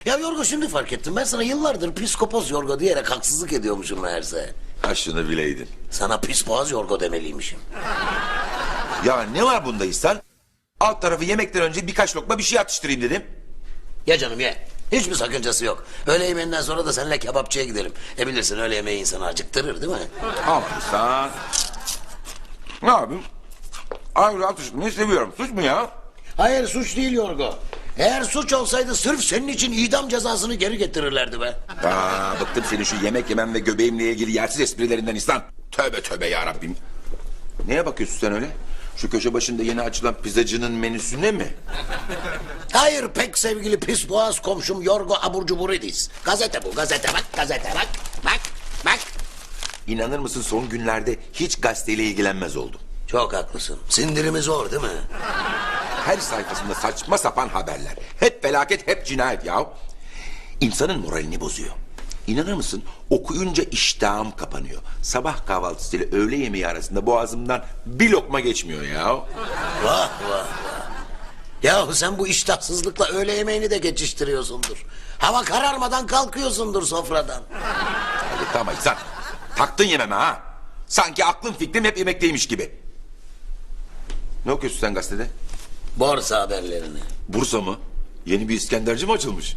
Ya Yorgo şimdi fark ettim. Ben sana yıllardır psikopos Yorgo diyerek haksızlık ediyormuşum meğerse. Ha şunu bileydin. Sana pis Yorgo demeliymişim. Ya ne var bunda İhsan? Alt tarafı yemekten önce birkaç lokma bir şey atıştırayım dedim. Ya canım ye. Hiçbir sakıncası yok. Öğle yemeğinden sonra da seninle kebapçıya gidelim. Bilirsin öğle yemeği insanı acıktırır değil mi? Ama İhsan. Ne yapayım? Ayrıca atıştırmayı seviyorum. Suç mu ya? Hayır suç değil Yorgo. Eğer suç olsaydı sırf senin için idam cezasını geri getirirlerdi be. Bıktım senin şu yemek yemem ve göbeğimle ilgili yersiz esprilerinden İhsan. Tövbe tövbe yarabbim. Neye bakıyorsun sen öyle? Şu köşe başında yeni açılan pizzacının menüsüne mi? Hayır pek sevgili pis boğaz komşum Yorgo Abur Cuburidis. Gazete bu gazete bak gazete bak. Bak. İnanır mısın son günlerde hiç gazeteyle ilgilenmez oldum. Çok haklısın. Sindirimi zor değil mi? Her sayfasında saçma sapan haberler. Hep felaket, hep cinayet ya. İnsanın moralini bozuyor. İnanır mısın? Okuyunca iştahım kapanıyor. Sabah kahvaltısıyla öğle yemeği arasında boğazımdan bir lokma geçmiyor ya. Vah. Yahu sen bu iştahsızlıkla öğle yemeğini de geçiştiriyorsundur. Hava kararmadan kalkıyorsundur sofradan. Hadi tamam İhsan. Taktın yememe ha. Sanki aklım fikrim hep yemekteymiş gibi. Ne okuyorsun sen gazetede? Borsa haberlerini. Bursa mı? Yeni bir İskenderci mi açılmış?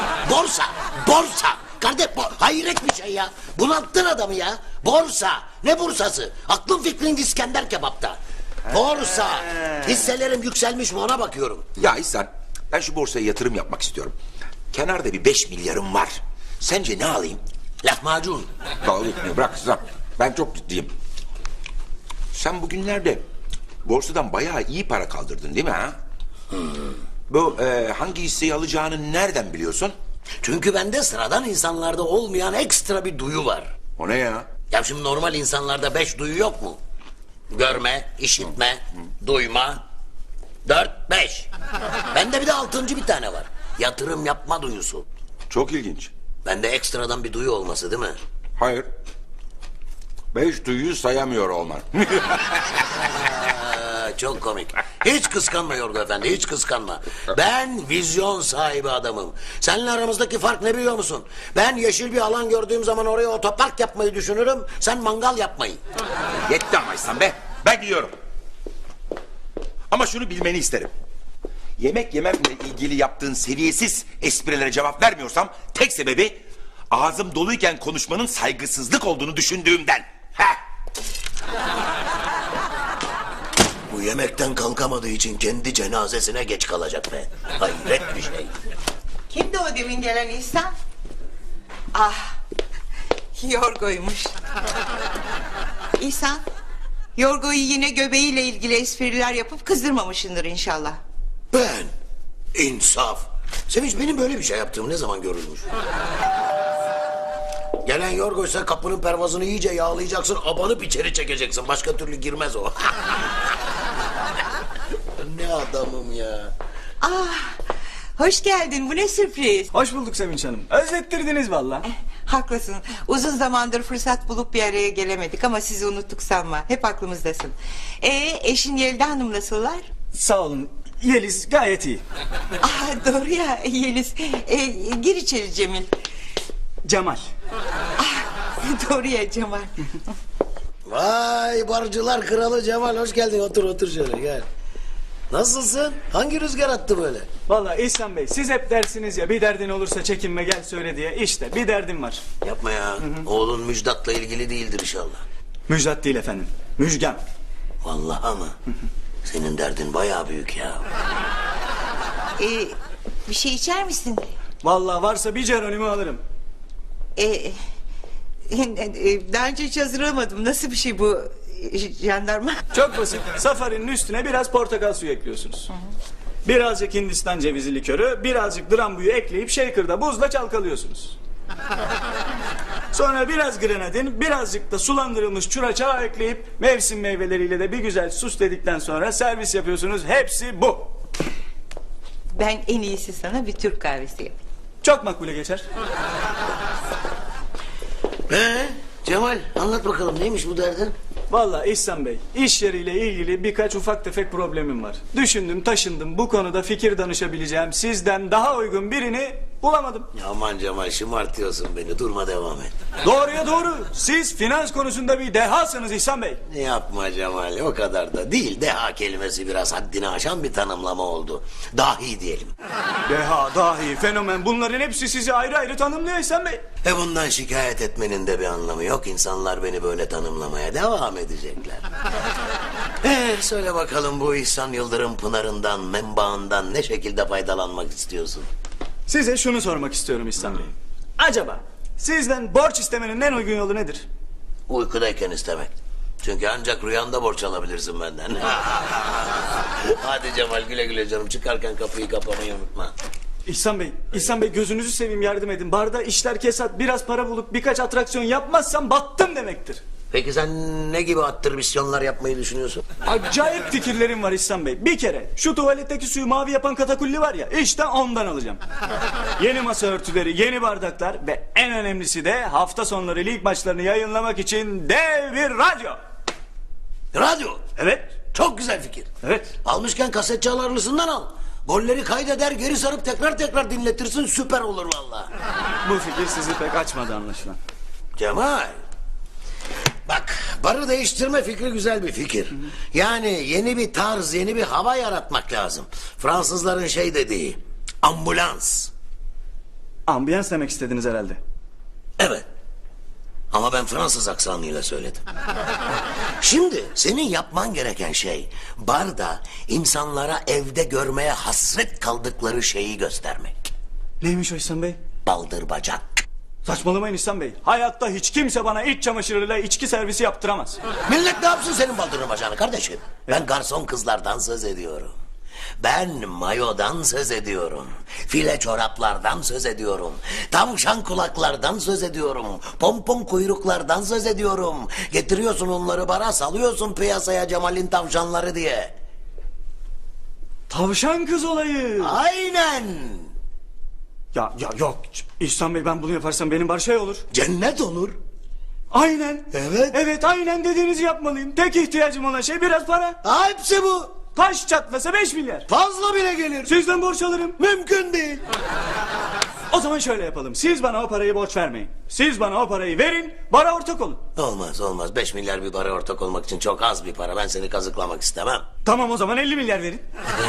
Borsa. Kardeş hayret bir şey ya. Bunalttın adamı ya. Borsa. Ne bursası? Aklın fikrin İskender kebapta. Borsa. Hisselerim yükselmiş mi ona bakıyorum. Ya İhsan, ben şu borsaya yatırım yapmak istiyorum. Kenarda bir 5 milyarım var. Sence ne alayım? Lahmacun. Dalga geçmeyi bırak İhsan. Ben çok ciddiyim. Sen bugünlerde borsadan bayağı iyi para kaldırdın değil mi ha? Bu hangi hisseyi alacağını nereden biliyorsun? Çünkü bende sıradan insanlarda olmayan ekstra bir duyu var. O ne ya? Ya şimdi normal insanlarda 5 duyu yok mu? Görme, işitme, duyma. 4, 5. Bende bir de 6. bir tane var. Yatırım yapma duyusu. Çok ilginç. Bende ekstradan bir duyu olması değil mi? Hayır. 5 duyuyu sayamıyor olman. Çok komik. Hiç kıskanma Yorgo Efendi, hiç kıskanma. Ben vizyon sahibi adamım. Seninle aramızdaki fark ne biliyor musun? Ben yeşil bir alan gördüğüm zaman oraya otopark yapmayı düşünürüm. Sen mangal yapmayı. Yetti ama İhsan be. Ben gidiyorum. Ama şunu bilmeni isterim. Yemek yememle ilgili yaptığın seviyesiz esprilere cevap vermiyorsam tek sebebi ağzım doluyken konuşmanın saygısızlık olduğunu düşündüğümden. Heh. Bu yemekten kalkamadığı için kendi cenazesine geç kalacak be. Hayret bir şey. Kimdi o demin gelen İhsan? Ah, Yorgo'ymuş. İhsan, Yorgo'yu yine göbeğiyle ilgili espriler yapıp kızdırmamışsındır inşallah. Ben? İnsaf. Sevinç benim böyle bir şey yaptığım ne zaman görülmüş? Gelen Yorgo'ysa kapının pervazını iyice yağlayacaksın, abanıp içeri çekeceksin. Başka türlü girmez o. Ne adamım ya. Ah, hoş geldin. Bu ne sürpriz. Hoş bulduk Sevinç Hanım. Özlettirdiniz valla. Haklısın. Uzun zamandır fırsat bulup bir araya gelemedik ama sizi unuttuk sanma. Hep aklımızdasın. Eşin Yelda Hanım nasıllar? Sağ olun. Yeliz gayet iyi. Ah, doğru ya Yeliz. Gir içeri Cemil. Cemal. Doğru ya Cemal. Vay barcılar kralı Cemal hoş geldin. Otur şöyle gel. Nasılsın? Hangi rüzgar attı böyle? Valla İhsan Bey siz hep dersiniz ya bir derdin olursa çekinme gel söyle diye. İşte bir derdim var. Yapma ya. Oğlun Müjdat'la ilgili değildir inşallah. Müjdat değil efendim. Müjgan. Vallahi mı? Senin derdin bayağı büyük ya. Bir şey içer misin? Valla varsa bir Geronimo alırım. Daha önce hiç hazırlamadım. Nasıl bir şey bu jandarma? Çok basit. Safarinin üstüne biraz portakal suyu ekliyorsunuz. Birazcık Hindistan cevizi likörü, birazcık drambuyu ekleyip shaker'da buzla çalkalıyorsunuz. Sonra biraz grenadin, birazcık da sulandırılmış çuraçağı ekleyip mevsim meyveleriyle de bir güzel süsledikten sonra servis yapıyorsunuz. Hepsi bu. Ben en iyisi sana bir Türk kahvesi yapayım. Çok makbule geçer. Cemal anlat bakalım neymiş bu derdin? Vallahi İhsan Bey, iş yeriyle ilgili birkaç ufak tefek problemim var. Düşündüm, taşındım. Bu konuda fikir danışabileceğim sizden daha uygun birini Bulamadım. Aman Cemal şımartıyorsun beni. Durma devam et. Doğruya doğru. Siz finans konusunda bir dehasınız İhsan Bey. Ne yapma Cemal o kadar da değil. Deha kelimesi biraz haddini aşan bir tanımlama oldu. Dahi diyelim. Deha, dahi, fenomen bunların hepsi sizi ayrı ayrı tanımlıyor İhsan Bey. Bundan şikayet etmenin de bir anlamı yok. İnsanlar beni böyle tanımlamaya devam edecekler. Söyle bakalım bu İhsan Yıldırım pınarından, menbaından ne şekilde faydalanmak istiyorsun? Size şunu sormak istiyorum İhsan Bey. Acaba sizden borç istemenin en uygun yolu nedir? Uykudayken istemek. Çünkü ancak rüyanda borç alabilirsin benden. Hadi Cemal güle güle canım. Çıkarken kapıyı kapamayı unutma. İhsan Bey gözünüzü seveyim yardım edin. Barda işler kesat, biraz para bulup birkaç atraksiyon yapmazsam battım demektir. Peki sen ne gibi attırmisyonlar yapmayı düşünüyorsun? Acayip fikirlerim var İhsan Bey. Bir kere şu tuvaletteki suyu mavi yapan katakulli var ya, işte ondan alacağım. Yeni masa örtüleri, yeni bardaklar ve en önemlisi de hafta sonları lig maçlarını yayınlamak için dev bir radyo. Radyo. Evet. Çok güzel fikir. Evet. Almışken kaset çalarlısından al. Golleri kaydeder geri sarıp tekrar dinletirsin, süper olur vallahi. Bu fikir sizi pek açmadı anlaşılan. Cemal. Bak barı değiştirme fikri güzel bir fikir. Yani yeni bir tarz, yeni bir hava yaratmak lazım. Fransızların şey dediği ambulans. Ambiyans demek istediniz herhalde. Evet. Ama ben Fransız aksanıyla söyledim. Şimdi senin yapman gereken şey barda insanlara evde görmeye hasret kaldıkları şeyi göstermek. Neymiş o İhsan Bey? Baldır bacak. Saçmalamayın İhsan Bey. Hayatta hiç kimse bana iç çamaşırıyla içki servisi yaptıramaz. Millet ne yapsın senin baldırın bacağını kardeşim? Ben garson kızlardan söz ediyorum. Ben mayodan söz ediyorum. File çoraplardan söz ediyorum. Tavşan kulaklardan söz ediyorum. Pompon kuyruklardan söz ediyorum. Getiriyorsun onları bara, salıyorsun piyasaya Cemal'in tavşanları diye. Tavşan kız olayı. Aynen. Ya yok İhsan Bey, ben bunu yaparsam benim bar şey olur. Cennet olur. Aynen. Evet. Evet aynen dediğinizi yapmalıyım. Tek ihtiyacım olan şey biraz para. Hepsi bu. Taş çatlasa 5 milyar. Fazla bile gelir. Sizden borç alırım. Mümkün değil. O zaman şöyle yapalım. Siz bana o parayı borç vermeyin. Siz bana o parayı verin, bara ortak olun. Olmaz. 5 milyar bir para ortak olmak için çok az bir para. Ben seni kazıklamak istemem. Tamam o zaman 50 milyar verin.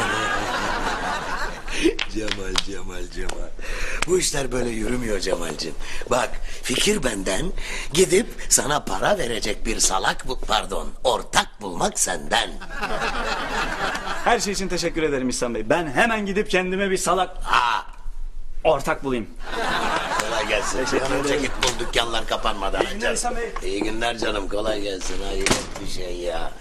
Cemal. Bu işler böyle yürümüyor Cemal'cim. Bak fikir benden, gidip sana para verecek bir ortak bulmak senden. Her şey için teşekkür ederim İhsan Bey. Ben hemen gidip kendime bir salak ortak bulayım. Kolay gelsin. Teşekkür Bir an önce ederim. git bul, dükkanlar kapanmadan. İyi günler İhsan Bey. İyi günler canım, kolay gelsin. Hayret bir şey ya.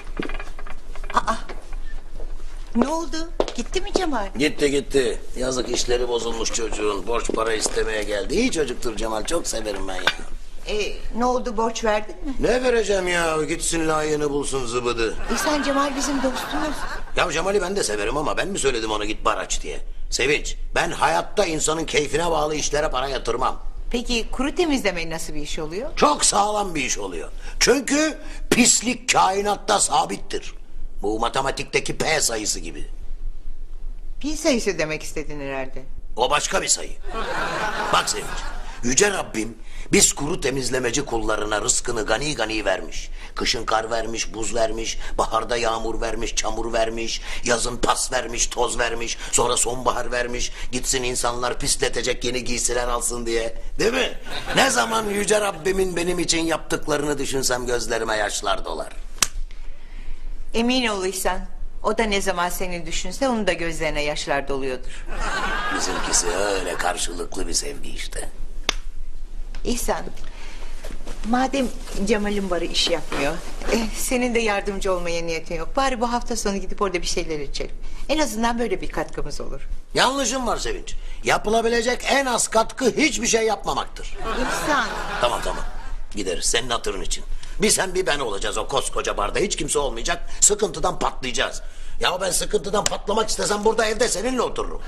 Ne oldu? Gitti mi Cemal? Gitti. Yazık işleri bozulmuş çocuğun. Borç para istemeye geldi. İyi çocuktur Cemal, çok severim ben ya. Ne oldu, borç verdin mi? Ne vereceğim ya, gitsin layığını bulsun zıbıdı. İhsan Cemal bizim dostumuz. Ya Cemal'i ben de severim ama ben mi söyledim ona git bar aç diye? Sevinç, ben hayatta insanın keyfine bağlı işlere para yatırmam. Peki kuru temizleme nasıl bir iş oluyor? Çok sağlam bir iş oluyor. Çünkü pislik kainatta sabittir. Bu matematikteki P sayısı gibi. Pi sayısı demek istedin herhalde. O başka bir sayı. Bak Sevinç, Yüce Rabbim biz kuru temizlemeci kullarına rızkını gani gani vermiş. Kışın kar vermiş, buz vermiş, baharda yağmur vermiş, çamur vermiş, yazın pas vermiş, toz vermiş, sonra sonbahar vermiş. Gitsin insanlar pisletecek yeni giysiler alsın diye. Değil mi? Ne zaman Yüce Rabbimin benim için yaptıklarını düşünsem gözlerime yaşlar dolar. Emin ol İhsan. O da ne zaman seni düşünse onun da gözlerine yaşlar doluyordur. Bizimkisi öyle karşılıklı bir sevgi işte. İhsan, madem Cemal'in barı iş yapmıyor, senin de yardımcı olmaya niyetin yok. Bari bu hafta sonu gidip orada bir şeyler içelim. En azından böyle bir katkımız olur. Yanlışım var Sevinç. Yapılabilecek en az katkı hiçbir şey yapmamaktır. İhsan. Tamam. Gideriz senin hatırın için. Bir sen bir ben olacağız o koskoca barda. Hiç kimse olmayacak. Sıkıntıdan patlayacağız. Ya ben sıkıntıdan patlamak istesem burada evde seninle otururum.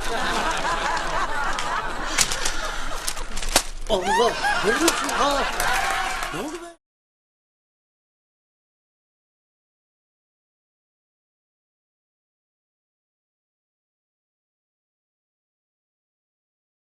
Allah! Ne oluyor? Ne oldu be?